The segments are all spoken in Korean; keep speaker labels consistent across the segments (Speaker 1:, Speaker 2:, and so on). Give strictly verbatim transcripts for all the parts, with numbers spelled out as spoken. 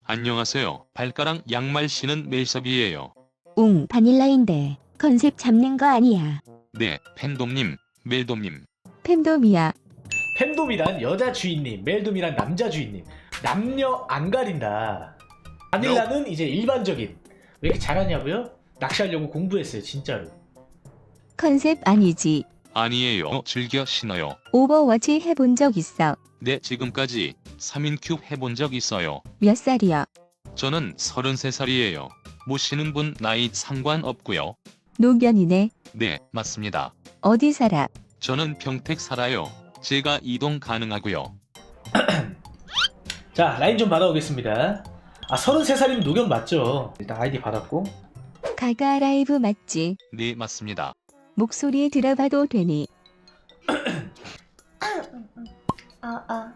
Speaker 1: 안녕하세요. 발가락 양말 신은 멜섭이에요.
Speaker 2: 웅, 바닐라인데 컨셉 잡는 거 아니야.
Speaker 1: 네, 팬돔님, 멜돔님.
Speaker 2: 팬덤이야.
Speaker 3: 팬돔이란 여자 주인님, 멜돔이란 남자 주인님. 남녀 안 가린다. 바닐라는 이제 일반적인. 왜 이렇게 잘하냐고요? 낚시하려고 공부했어요, 진짜로.
Speaker 2: 컨셉 아니지.
Speaker 1: 아니에요. 즐겨 신어요.
Speaker 2: 오버워치 해본 적 있어.
Speaker 1: 네, 지금까지 삼 인 큐 해본 적 있어요.
Speaker 2: 몇 살이야?
Speaker 1: 저는 서른세 살이에요. 모시는 분 나이 상관없고요.
Speaker 2: 노견이네.
Speaker 1: 네, 맞습니다.
Speaker 2: 어디 살아?
Speaker 1: 저는 평택 살아요. 제가 이동 가능하고요.
Speaker 3: 자, 라인 좀 받아오겠습니다. 아, 서른세 살이면 노견 맞죠? 일단 아이디 받았고.
Speaker 2: 가가 라이브 맞지?
Speaker 1: 네, 맞습니다.
Speaker 2: 목소리 들어봐도 되니?
Speaker 4: 아, 아.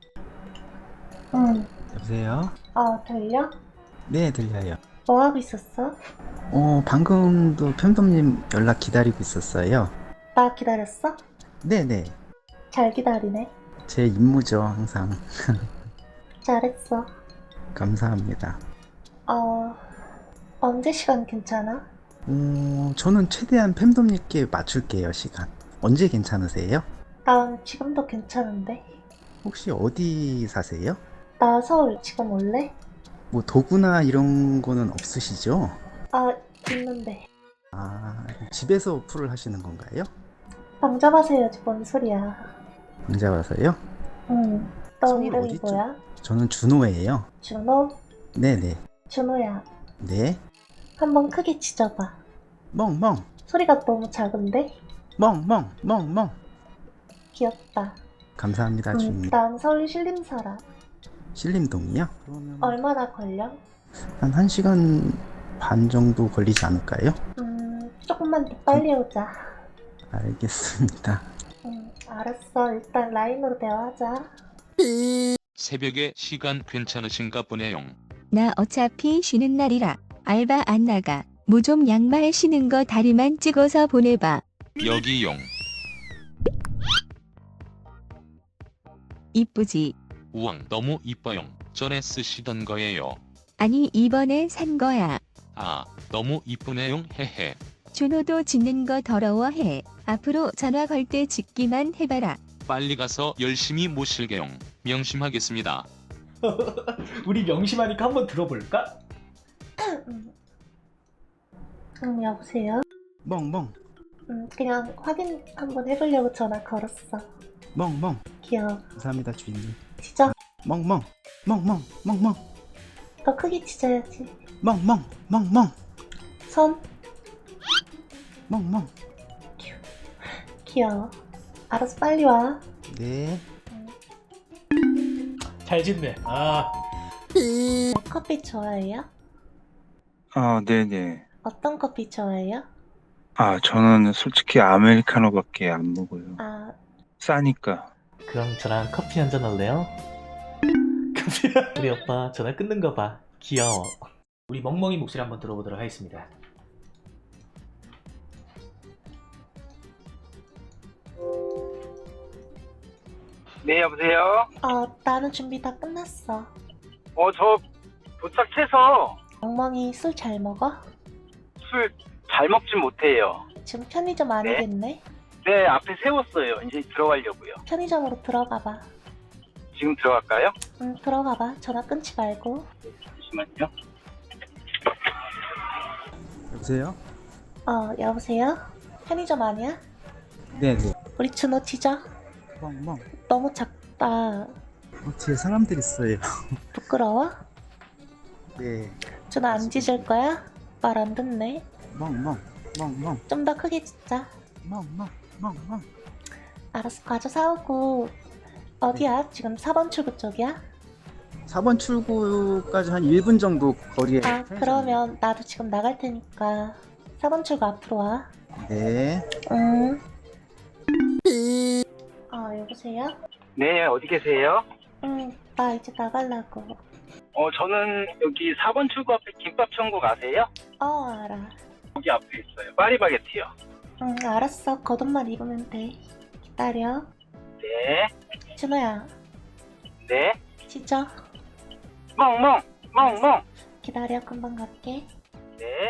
Speaker 4: 응.
Speaker 5: 여보세요?
Speaker 4: 어, 들려?
Speaker 5: 네, 들려요.
Speaker 4: 뭐 하고 있었어?
Speaker 5: 어, 방금도 편dom님 연락 기다리고 있었어요.
Speaker 4: 나 기다렸어?
Speaker 5: 네네.
Speaker 4: 잘 기다리네.
Speaker 5: 제 임무죠, 항상.
Speaker 4: 잘했어.
Speaker 5: 감사합니다.
Speaker 4: 어, 언제 시간 괜찮아?
Speaker 5: 어, 저는 최대한 팬dom님께 맞출게요, 시간. 언제 괜찮으세요?
Speaker 4: 난 지금도 괜찮은데.
Speaker 5: 혹시 어디 사세요?
Speaker 4: 나 서울 지금 올래?
Speaker 5: 뭐 도구나 이런 거는 없으시죠?
Speaker 4: 아, 있는데.
Speaker 5: 아, 집에서 어플을 하시는 건가요?
Speaker 4: 방 잡아서 해야지, 뭔 소리야.
Speaker 5: 혼자 와서요?
Speaker 4: 응. 너
Speaker 5: 서울
Speaker 4: 이름이
Speaker 5: 어디죠?
Speaker 4: 뭐야?
Speaker 5: 저는 준호예요.
Speaker 4: 준호?
Speaker 5: 네네.
Speaker 4: 준호야.
Speaker 5: 네.
Speaker 4: 한번 크게 짖어봐.
Speaker 5: 멍멍,
Speaker 4: 소리가 너무 작은데?
Speaker 5: 멍멍, 멍멍.
Speaker 4: 귀엽다.
Speaker 5: 감사합니다,
Speaker 4: 응,
Speaker 5: 주인님.
Speaker 4: 난 서울 신림 살아.
Speaker 5: 신림동이요? 그러면
Speaker 4: 얼마나 걸려?
Speaker 5: 한 1시간 반 정도 걸리지 않을까요?
Speaker 4: 음, 조금만 더 빨리 오자.
Speaker 5: 알겠습니다.
Speaker 4: 응, 알았어. 일단 라인으로 대화하자.
Speaker 1: 새벽에 시간 괜찮으신가 보네요.
Speaker 2: 나 어차피 쉬는 날이라 알바 안 나가. 뭐 좀 양말 신은 거 다리만 찍어서 보내봐.
Speaker 1: 여기용.
Speaker 2: 이쁘지?
Speaker 1: 우왕, 너무 이뻐요. 전에 쓰시던 거예요.
Speaker 2: 아니 이번에 산 거야.
Speaker 1: 아, 너무 이쁘네요. 헤헤.
Speaker 2: 준호도 짖는 거 더러워해. 앞으로 전화 걸 때 짖기만 해봐라.
Speaker 1: 빨리 가서 열심히 모실게요. 명심하겠습니다.
Speaker 3: 우리 명심하니까 한번 들어볼까?
Speaker 4: 응, 응, 여보세요?
Speaker 5: 멍멍,
Speaker 4: 응, 그냥 확인 한번 해보려고 전화 걸었어.
Speaker 5: 멍멍.
Speaker 4: 귀여워.
Speaker 5: 감사합니다, 주인님.
Speaker 4: 짖어.
Speaker 5: 멍멍, 멍멍, 멍멍,
Speaker 4: 더 크게 짖어야지.
Speaker 5: 멍멍, 멍멍,
Speaker 4: 손.
Speaker 5: 멍멍.
Speaker 4: 귀여워. 알아서 빨리 와.
Speaker 5: 네.
Speaker 3: 잘 짓네. 아,
Speaker 4: 커피 좋아해요?
Speaker 6: 아, 네네.
Speaker 4: 어떤 커피 좋아해요?
Speaker 6: 아, 저는 솔직히 아메리카노밖에 안 먹어요.
Speaker 4: 아,
Speaker 6: 싸니까.
Speaker 3: 그럼 저랑 커피 한잔 할래요? 우리 오빠 전화 끊는 거 봐. 귀여워. 우리 멍멍이 목소리 한번 들어보도록 하겠습니다.
Speaker 7: 네, 여보세요?
Speaker 4: 어, 나는 준비 다 끝났어.
Speaker 7: 어, 저 도착해서
Speaker 4: 멍멍이 술 잘 먹어?
Speaker 7: 술 잘 먹진 못해요.
Speaker 4: 지금 편의점 아니겠네?
Speaker 7: 네, 앞에 세웠어요. 이제 들어가려고요.
Speaker 4: 편의점으로 들어가봐.
Speaker 7: 지금 들어갈까요?
Speaker 4: 응, 들어가봐. 전화 끊지 말고.
Speaker 7: 잠시만요.
Speaker 5: 여보세요?
Speaker 4: 어, 여보세요? 편의점 아니야?
Speaker 5: 네네.
Speaker 4: 우리 준호 짖어.
Speaker 5: 멍멍.
Speaker 4: 너무 작다.
Speaker 5: 어, 뒤에 사람들 있어요.
Speaker 4: 부끄러워?
Speaker 5: 네.
Speaker 4: 준호 안 짖을 거야? 말 안 듣네.
Speaker 5: 멍멍, 멍멍,
Speaker 4: 좀 더 크게 짖자.
Speaker 5: 멍멍, 멍멍.
Speaker 4: 알았어, 과자 사오고. 어디야? 지금 사 번 출구 쪽이야?
Speaker 5: 사 번 출구까지 한 일 분 정도 거리에.
Speaker 4: 아, 그러면 나도 지금 나갈 테니까 사 번 출구 앞으로 와.
Speaker 5: 네.
Speaker 4: 응. 어, 여보세요?
Speaker 7: 네, 어디 계세요?
Speaker 4: 응, 나 이제 나가려고.
Speaker 7: 어, 저는 여기 사 번 출구 앞에 김밥 천국 아세요?
Speaker 4: 어, 알아.
Speaker 7: 거기 앞에 있어요. 파리바게트요.
Speaker 4: 응, 알았어. 겉옷만 입으면 돼. 기다려.
Speaker 7: 네,
Speaker 4: 준호야,
Speaker 7: 네.
Speaker 4: 짖어.
Speaker 7: 멍멍, 멍멍.
Speaker 4: 기다려, 금방 갈게.
Speaker 7: 네.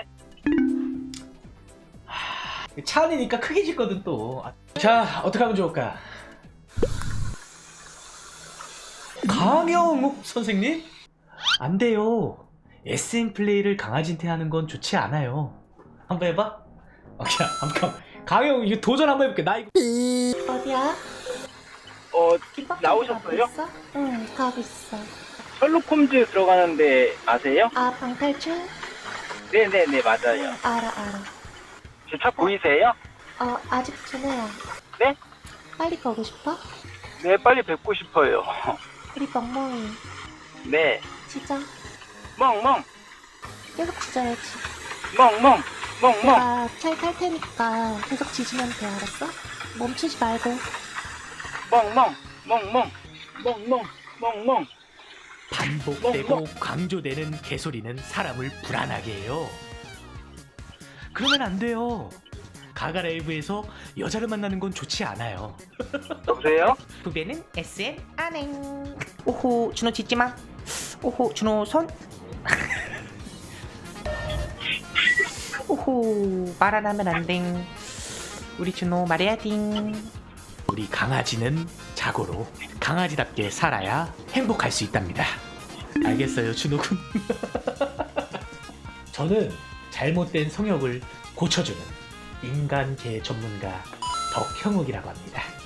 Speaker 3: 차 안이니까 크게 짓거든 또. 아, 자, 어떻게 하면 좋을까? 강영욱 선생님? 안 돼요. 에스엠 플레이를 강아지한테 하는 건 좋지 않아요. 한번 해봐. 오케이, 한번. 강영욱 이거 도전 한번 해볼게. 나 이거.
Speaker 4: 어디야?
Speaker 7: 어,
Speaker 4: 김밥
Speaker 7: 나오셨어요?
Speaker 4: 가고 있어? 응, 가고 있어.
Speaker 7: 셜록 홈즈 들어가는데 아세요?
Speaker 4: 아, 방탈출?
Speaker 7: 네네네, 맞아요.
Speaker 4: 알아, 알아.
Speaker 7: 제 차 보이세요?
Speaker 4: 어, 아직 준호야.
Speaker 7: 네?
Speaker 4: 빨리 가고 싶어?
Speaker 7: 네, 빨리 뵙고 싶어요.
Speaker 4: 우리 멍멍이.
Speaker 7: 네.
Speaker 4: 짖어.
Speaker 7: 멍멍.
Speaker 4: 계속 짖어야지.
Speaker 7: 멍멍. 멍멍.
Speaker 4: 내가 차에 탈 테니까 계속 짖으면 돼, 알았어? 멈추지 말고.
Speaker 7: 멍멍. 멍멍. 멍멍. 멍멍.
Speaker 3: 반복되고 강조되는 개소리는 사람을 불안하게 해요. 그러면 안 돼요. 가가 라이브에서 여자를 만나는 건 좋지 않아요.
Speaker 7: 여보세요?
Speaker 4: 부배는 에스엠 안행. 오호, 준호 짖지 마. 오호, 준호 손. 오호, 말 안 하면 안 돼. 우리 준호 말해야 딩.
Speaker 3: 우리 강아지는 자고로 강아지답게 살아야 행복할 수 있답니다. 알겠어요, 준호군. 저는 잘못된 성욕을 고쳐주는 인간계 전문가 덕형욱이라고 합니다.